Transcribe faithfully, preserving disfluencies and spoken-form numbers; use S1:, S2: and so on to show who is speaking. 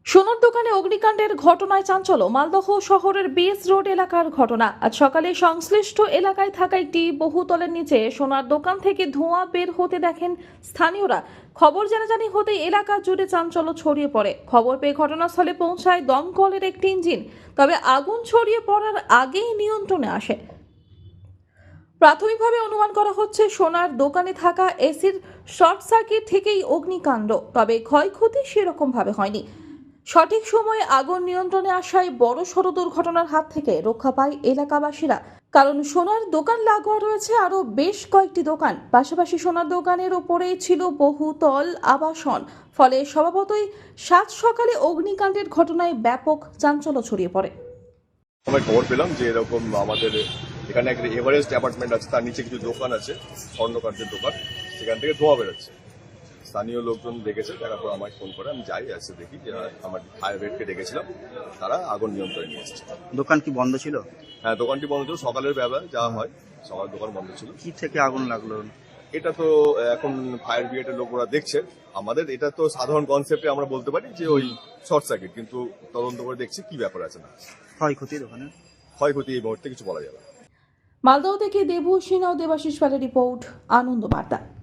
S1: সোনার দোকানে অগ্নিকাণ্ডের ঘটনায় চাঞ্চল্য। মালদহ শহরের বেস রোড এলাকার ঘটনা। আজ সকালে সংশ্লিষ্ট এলাকায় থাকা একটি বহুতলের নিচে সোনার দোকান থেকে ধোঁয়া বের হতে দেখেন স্থানীয়রা। খবর জানাজানি হতে এলাকা জুড়ে চাঞ্চল্য ছড়িয়ে পড়ে। খবর পেয়ে ঘটনাস্থলে পৌঁছায় দমকলের একটি ইঞ্জিন, তবে আগুন ছড়িয়ে পড়ার আগেই নিয়ন্ত্রণে আসে। প্রাথমিকভাবে অনুমান করা হচ্ছে সোনার দোকানে থাকা এসির শর্ট সার্কিট থেকেই অগ্নিকাণ্ড, তবে ক্ষয়ক্ষতি সেরকম ভাবে হয়নি। সঠিক সময়ে আগুন নিয়ন্ত্রণে আসায় বড় সড় দুর্ঘটনার হাত থেকে রক্ষা পায় এলাকাবাসীরা। কারণ সোনার দোকান লাগোয়া রয়েছে আরো বেশ কয়েকটি দোকান, পাশাপাশি সোনার দোকানের ওপরেই ছিল বহুতল আবাসন। ফলে স্বভাবতই সাত সকালে অগ্নিকাণ্ডের ঘটনায় ব্যাপক চাঞ্চল্য ছড়িয়ে পড়ে।
S2: আমরা খবর পেলাম যে এরকম আমাদের এখানে একটা এভারেস্ট অ্যাপার্টমেন্ট আছে, তার নিচে কিছু দোকান আছে, স্বর্ণকার্যের দোকান, সেখান থেকে ধোঁয়া বেরোচ্ছে। স্থানীয় লোকজন দেখেছে, দেখার পর আমায় ফোন করে, আমি যাই এসে দেখি যে আমার ফায়ার ব্রিগেডকে ডেকেছিলাম, তারা আগুন নিয়ন্ত্রণে নিয়ে এসেছে।
S3: দোকান কি বন্ধ ছিল?
S2: হ্যাঁ, দোকানটি বন্ধ ছিল, সকালের বেলা যাওয়া হয়, সকাল দোকান বন্ধ ছিল।
S3: কি থেকে আগুন লাগলো?
S2: এটা তো এখন ফায়ার ব্রিগেডের লোকরা দেখছে। আমাদের এটা তো সাধারণ কনসেপ্টে আমরা বলতে পারি যে ওই শর্ট সার্কিট, কিন্তু তদন্ত করে দেখছি কি ব্যাপার আছে না।
S3: ক্ষয়ক্ষতি দোকানে?
S2: ক্ষয়ক্ষতি এই মুহূর্তে কিছু বলা যাবে না।
S1: মালদহ থেকে দেবু সিনহ, দেবাশিস পালের রিপোর্ট, আনন্দ বার্তা।